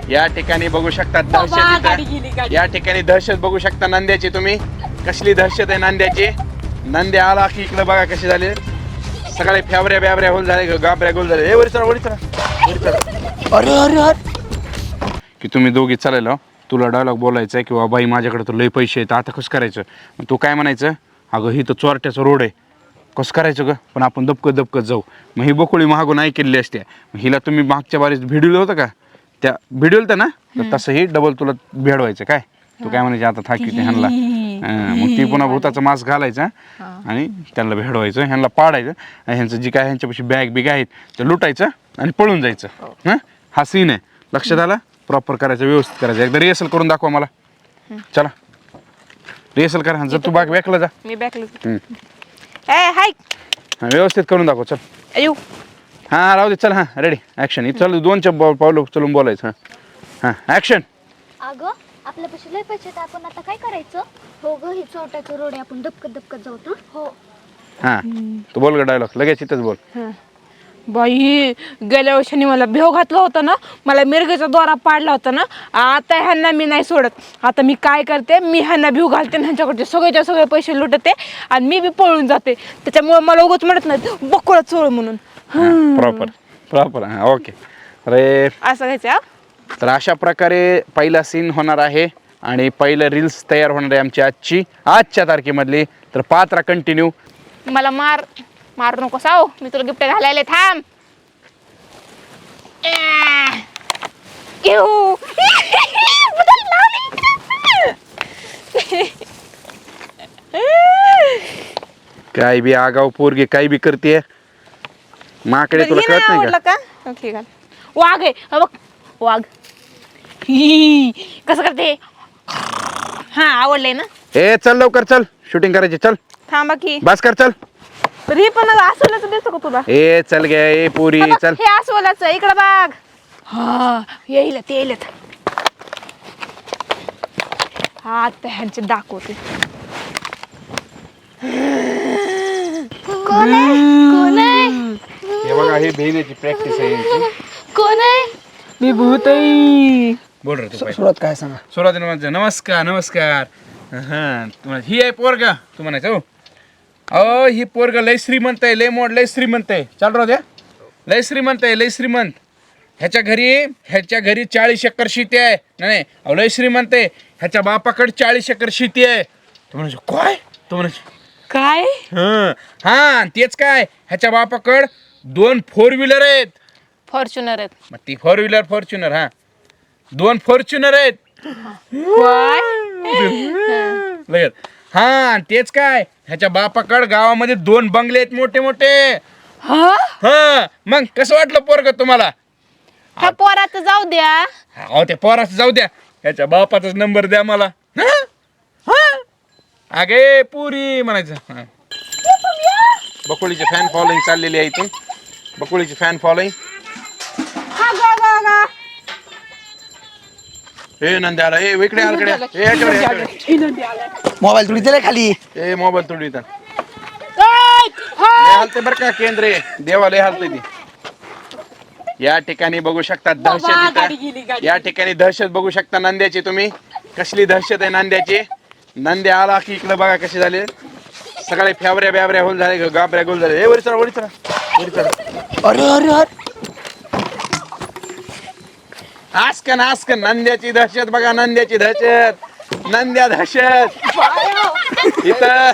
या ठिकाणी बघू शकता दहशत, या ठिकाणी दहशत बघू शकता नंद्याची तुम्ही. कसली दहशत आहे नंद्याची. नंद्या आला की इकडे बघा कसे झाले सगळे फॅबऱ्या ब्याबऱ्या होल झाले, गाबऱ्या गोल झाले. वरी चला वरी चला वरी चला. अरे अरे अरे की तुम्ही दोघी चालेल तुला डायलॉग बोलायचा आहे किंवा बाई माझ्याकडे तर लय पैसे आहेत आता कसं करायचं. तू काय म्हणायचं, अगं ही तर चोरट्याचा रोड आहे कसं करायचं ग, पण आपण दबकत दबकत जाऊ. मग ही बकोळी महागून ऐकलेली असते. हिला तुम्ही मागच्या बारीत भिडवलं होतं का, त्या भिडवलं ना, तर तसंही डबल तुला भेडवायचं. काय तू काय म्हणायचे आता थाकी ते ह्यांना, मग ती पुन्हा भूताचा मास्क घालायचा आणि त्यांना भेडवायचं, ह्यांना पाडायचं. ह्यांचं जी काय ह्यांच्यापाशी बॅग बिग आहेत ते लुटायचं आणि पळून जायचं. हां हा सीन आहे, लक्षात आला. प्रॉपर करायचं, व्यवस्थित करायचं. एकदा रिहर्सल करून दाखवा मला. चला रिहर्सल करा. जर तू बाग बॅकला जा, मी बॅकला. हाय व्यवस्थित करून दाखव. चल अयो हां राहू दे. चल हां रेडी ॲक्शन. चल 2 पावलं चलून बोलायचं. हां हां ॲक्शन. अगं आपल्यापाशी लय पैसे आहेत, आपण आता काय करायचं. हो ग ही चोरट्याचं रोड आहे, आपण दबकत दबकत जाऊ ना. हो हां तू बोल ग डायलॉग, लगेच इथंच बोल. बाई गेल्या वर्षांनी मला भेव घातला होता ना, मला मिरगेचा दोरा पाडला होता ना. आता ह्यांना मी नाही सोडत. आता मी काय करते, मी ह्यांना भिव घालते आणि ह्यांच्याकडचे सगळेच्या सगळे पैसे लुटते आणि मी बी पळून जाते. त्याच्यामुळे मला उगाच म्हणत नाही बकोळा चोळ म्हणून. प्रॉपर प्रॉपर हां ओके. अरे असं घ्यायचं. तर अशा प्रकारे पहिला सीन होणार आहे आणि पहिलं रील्स तयार होणार आहे आमची आजच्या तारखेमधली. तर पात्रा कंटिन्यू. मला मारू नको साव, मी तुला गिफ्ट घालायला. थांब. काय बी आगाव पोरगी काय बी करते माकडे, तुला कळत नाही का. ओके घाल. वाघ आहे हा बघ, वाघ. ही कसं करते. हा आवडलंय ना. ए चल लवकर चल, शूटिंग करायची. चल थांबा की. बस कर चल. तरी पण अस्वलाचं दिसतो का तुला. ए चल गे ए पुरी चल. हे अस्वलाचं इकडं बघ. हा येईल ते येईल. हा आता ह्यांचे दाखवते. कोण आहे कोण आहे हे बघा ही बहिणीची प्रॅक्टिस आहे यांची. कोण आहे. मी भूतई. बोल रे तू पहिले. सुरुवात काय सांगा. सुरुवातीला नमस्कार नमस्कार. हां तुम्हाला ही आहे पोरगा तू म्हणायचं. हो अहो ही पोरग लय श्रीमंत आहे, लय मोड लय श्रीमंत आहे. चाल राहू द्या. लय श्रीमंत आहे, लय श्रीमंत. ह्याच्या घरी 40 एकर शेती आहे. नाही अहो लय श्रीमंत आहे. ह्याच्या बापाकडे 40 एकर शेती आहे. तू म्हणायचं काय, तू म्हणायचं काय. हां तेच काय, ह्याच्या बापाकडे 2 4 व्हीलर आहेत. फॉर्च्युनर आहेत. मग ती 4 व्हीलर फॉर्च्युनर. हां 2 फॉर्च्युनर आहेत. लगेच हां तेच काय, ह्याच्या बापाकडे गावामध्ये 2 बंगले आहेत मोठे मोठे. हा मग कसं वाटलं पोरग तुम्हाला. ह्या पोराचं जाऊ द्या. अहो त्या पोराचं जाऊ द्या, ह्याच्या बापाचाच नंबर द्या मला. अगे पुरी म्हणायचं. बकोळीची फॅन फॉलोईंग चाललेली आहे इथून. बकोळीची फॅन फॉलोईंग. ए नंदी आला. ए इकडे आलकडे. मोबाईल थोडी दिलाय खाली. ए मोबाईल तोडू इथं. हालते बरं का केंद्रे देवालय हालते ती. या ठिकाणी बघू शकता दहशत. या ठिकाणी दहशत बघू शकता नंद्याची तुम्ही. कसली दहशत आहे नंद्याची. नंद्या आला की इकडे बघा कसे झाले सगळे फॅबऱ्या ब्याबऱ्या होल झाले, गाबऱ्या गोल झाले. ए वरी चला वरी चला वरी चला. अरे अरे अरे आस्कन नंद्याची दहशत बघा. नंद्याची दहशत. नंद्या दहशत इथं.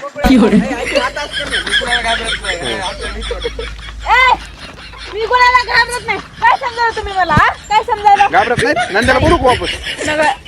मी कोणाला घाबरत नाही. काय समजायला तुम्ही मला. काय समजायला घाबरत नाही. नंद्याला बोलू का वापस.